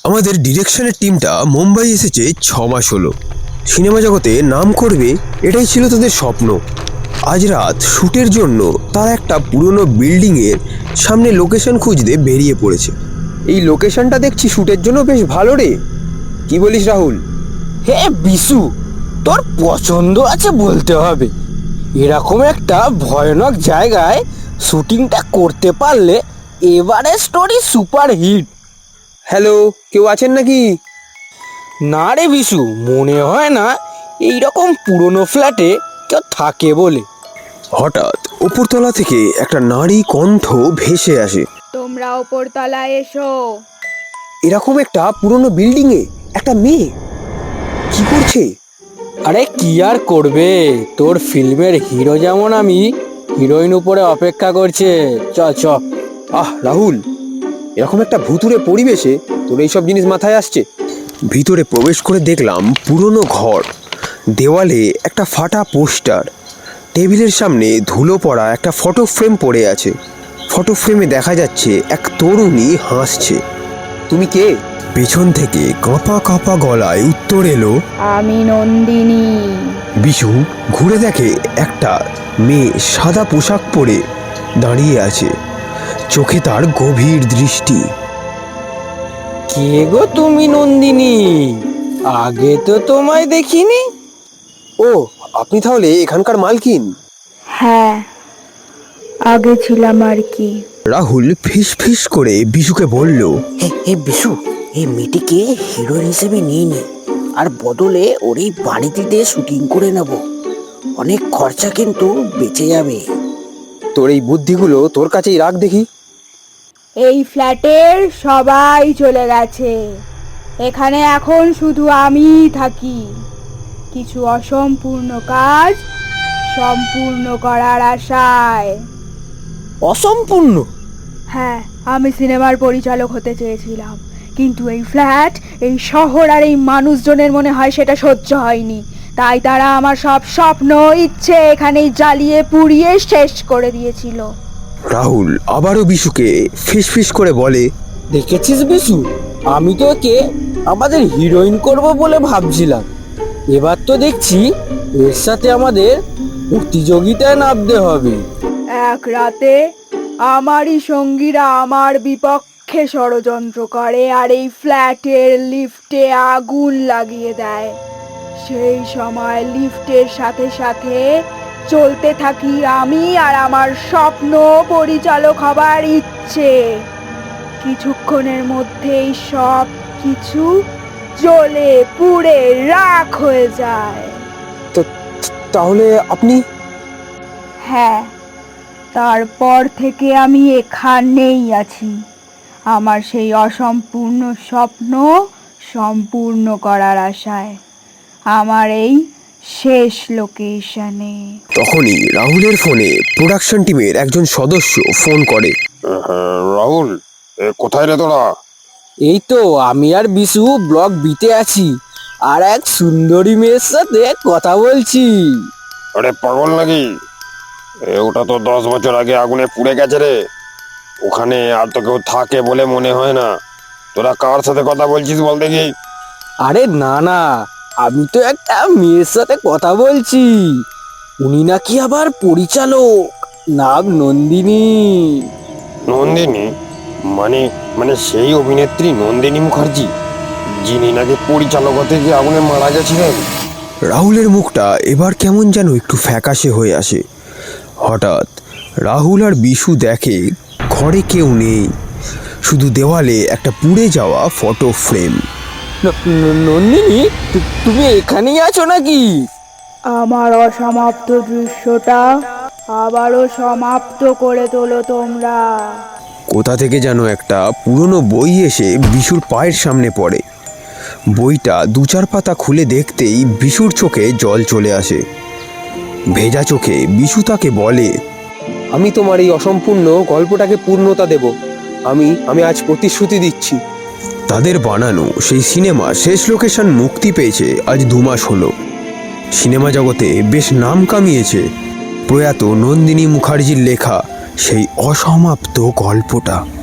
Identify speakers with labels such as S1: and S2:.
S1: আমাদের ডিরেকশনের টিমটা মুম্বাই এসেছে 6 মাস হলো। সিনেমা জগতে নাম করবে এটাই ছিল তাদের স্বপ্ন। আজ রাত শ্যুটের জন্য তারা একটা পুরনো বিল্ডিংয়ের সামনে লোকেশন খুঁজতে বেরিয়ে পড়েছে। এই লোকেশনটা দেখছি শ্যুটের জন্য বেশ ভালো রে, কি বলিস রাহুল?
S2: হে বিশু, তোর পছন্দ আছে বলতে হবে। এরকম একটা ভয়ানক জায়গায় শুটিংটা করতে পারলে এবারে স্টোরি সুপার হিট।
S1: হ্যালো, কেউ আছেন নাকি?
S2: না রে বিশু, মনে হয় না এইরকম পুরনো ফ্ল্যাটে কেউ থাকে বলে।
S1: হঠাৎ উপরতলা থেকে একটা নারী কণ্ঠ ভেসে আসে।
S3: তোমরা ওপরতলায় এসো।
S1: এরকম একটা পুরনো বিল্ডিংয়ে একটা মেয়ে কি করছে?
S2: আরে কি আর করবে, তোর ফিল্মের হিরো যেমন আমি, হিরোইন উপরে অপেক্ষা করছে। চ চ।
S1: রাহুল, এরকম একটা ভুতুড়ে পরিবেশে তোর এইসব জিনিস মাথায় আসছে? ভিতরে প্রবেশ করে দেখলাম পুরনো ঘর, দেওয়ালে একটা ফাটা পোস্টার, টেবিলের সামনে ধুলো পড়া একটা ফটো ফ্রেম পড়ে আছে। ফটো ফ্রেমে দেখা যাচ্ছে এক তরুণী হাসছে। তুমি কে? পেছন থেকে কাঁপা কাঁপা গলায় উত্তর এলো,
S3: আমি নন্দিনী।
S1: বিশু ঘুরে দেখে একটা মেয়ে সাদা পোশাক পরে দাঁড়িয়ে আছে, চোখে তার গভীর দৃষ্টি।
S2: কে গো তুমি নন্দিনী? আগে তো তোমায় দেখিনি।
S1: ও, আপনি তাহলে এখানকার মালকিন?
S3: হ্যাঁ, আগে ছিলাম আর কি।
S1: রাহুল ফিস ফিস করে বিশুকে বলল,
S4: হে বিশু, এই মেয়েটিকে হিরোইন হিসেবে নিয়ে নে, আর বদলে ওর এই বাড়িতে শুটিং করে নেব। অনেক খরচা কিন্তু বেঁচে যাবে।
S1: তোর এই বুদ্ধিগুলো তোর কাছেই রাখ দেখি।
S3: এই ফ্ল্যাটের সবাই চলে গেছে, এখানে এখন শুধু আমিই থাকি। কিছু অসম্পূর্ণ কাজ সম্পূর্ণ করার আশায়।
S2: অসম্পূর্ণ?
S3: হ্যাঁ, আমি সিনেমার পরিচালক হতে চেয়েছিলাম, কিন্তু এই ফ্ল্যাট, এই শহর আর এই মানুষজনের মনে হয় সেটা সহ্য হয়নি। তাই তারা আমার সব স্বপ্ন ইচ্ছে এখানেই জ্বালিয়ে পুড়িয়ে শেষ করে দিয়েছিল।
S1: রাহুল আবারও বিশুকে ফিস ফিস করে বলে,
S2: দেখেছিস বিশু, আমি তো ওকে আমাদের হিরোইন করব বলে ভাবছিলাম। এবার তো দেখছি এর সাথে আমাদের প্রতিযোগিতায় নামতে হবে।
S3: এক রাতে আমারই সঙ্গীরা আমার বিপক্ষে ষড়যন্ত্র করে আর এই ফ্ল্যাটের লিফটে আগুন লাগিয়ে দেয়। সেই সময় লিফটের সাথে সাথে চলতে থাকি আমি আর আমার স্বপ্ন পরিচালক হবার ইচ্ছে। কিছুক্ষণের মধ্যেই সব কিছু জ্বলে পুড়ে রাখ হয়ে যায়।
S1: তাহলে আপনি?
S3: হ্যাঁ, তারপর থেকে আমি এখানেই আছি, আমার সেই অসম্পূর্ণ স্বপ্ন সম্পূর্ণ করার আশায়, আমার এই শেষ লোকেশনে।
S1: তখনই রাহুলের ফোনে প্রোডাকশন টিমের একজন সদস্য ফোন করে।
S5: রাহুল, কোথায় রে তোরা?
S2: এই তো আমি আর বিশু ব্লক বিতে আছি, আর এক সুন্দরী মেয়ের সাথে কথা বলছি।
S5: আরে পাগল নাকি? ওটা তো 10 বছর আগে আগুনে পুড়ে গেছে রে। ওখানে আর তো কেউ থাকে বলে মনে হয় না। তোরা কার সাথে কথা বলছিস বল দেখি?
S2: আরে না না, আমি তো একটা মেয়ের সাথে কথা বলছি। উনি নাকি আবার পরিচালক, নাম নন্দিনী।
S5: নন্দিনী? মানে মানে সেই অভিনেত্রী নন্দিনী মুখার্জি, যিনি নাকি পরিচালক হতে গিয়ে আগুনে মারা গেছিলেন?
S1: রাহুলের মুখটা এবার কেমন যেন একটু ফ্যাকাশে হয়ে আসে। হঠাৎ রাহুল আর বিশু দেখে ঘরে কেউ নেই, শুধু দেওয়ালে একটা পুড়ে যাওয়া ফটো ফ্রেম।
S2: নন্দিনী, তুমি এখানেই আছো নাকি?
S3: আমার অসমাপ্ত দৃশ্যটা আবারও সমাপ্ত করে তোলো তোমরা।
S1: কোথা থেকে যেন একটা পুরনো বই এসে বিশুর পায়ের সামনে পড়ে। বইটা 2-4 পাতা খুলে দেখতেই বিশুর চোখে জল চলে আসে। ভেজা চোখে বিশু তাকে বলে, আমি তোমার এই অসম্পূর্ণ গল্পটাকে পূর্ণতা দেব। আমি আজ প্রতিশ্রুতি দিচ্ছি। তাদের বানানো সেই সিনেমা শেষ লোকেশন মুক্তি পেয়েছে আজ 2 মাস হলো। সিনেমা জগতে বেশ নাম কামিয়েছে প্রয়াত নন্দিনী মুখার্জির লেখা সেই অসমাপ্ত গল্পটা।